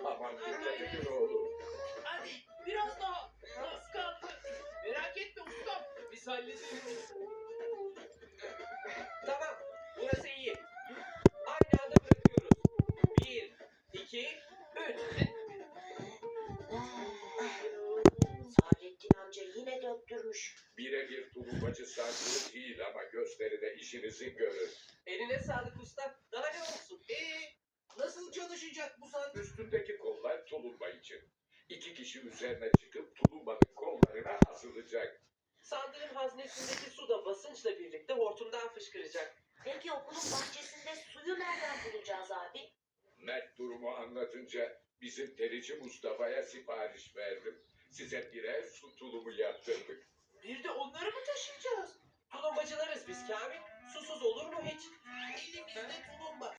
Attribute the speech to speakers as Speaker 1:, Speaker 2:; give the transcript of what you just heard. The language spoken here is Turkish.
Speaker 1: Aman dikkat edin oğlum.
Speaker 2: Hadi biraz daha. Az kaldı. Merak etme ustam. Biz hallederiz. Tamam. Burası iyi. Aynı anda bırakıyoruz. 1, 2, 3.
Speaker 3: Saadettin amca yine döktürmüş.
Speaker 1: Birebir tulumbacı sarkılı değil ama gösteride işinizi görür.
Speaker 2: Eline sağlık usta. Daha ne olsun? Nasıl çalışacak bu sandviç?
Speaker 1: Üstündeki kollar tulumba için. 2 kişi üzerine çıkıp tulumbanın kollarına asılacak.
Speaker 2: Sandığın haznesindeki su da basınçla birlikte hortumdan fışkıracak.
Speaker 3: Peki okulun bahçesinde suyu nereden bulacağız abi?
Speaker 1: Mert durumu anlatınca bizim terici Mustafa'ya sipariş verdim. Size birer su tulumu yaptırdık.
Speaker 2: Bir de onları mı taşıyacağız? Tulumbacılarız biz Kamil. Susuz olur mu hiç? Elimizde tulumba.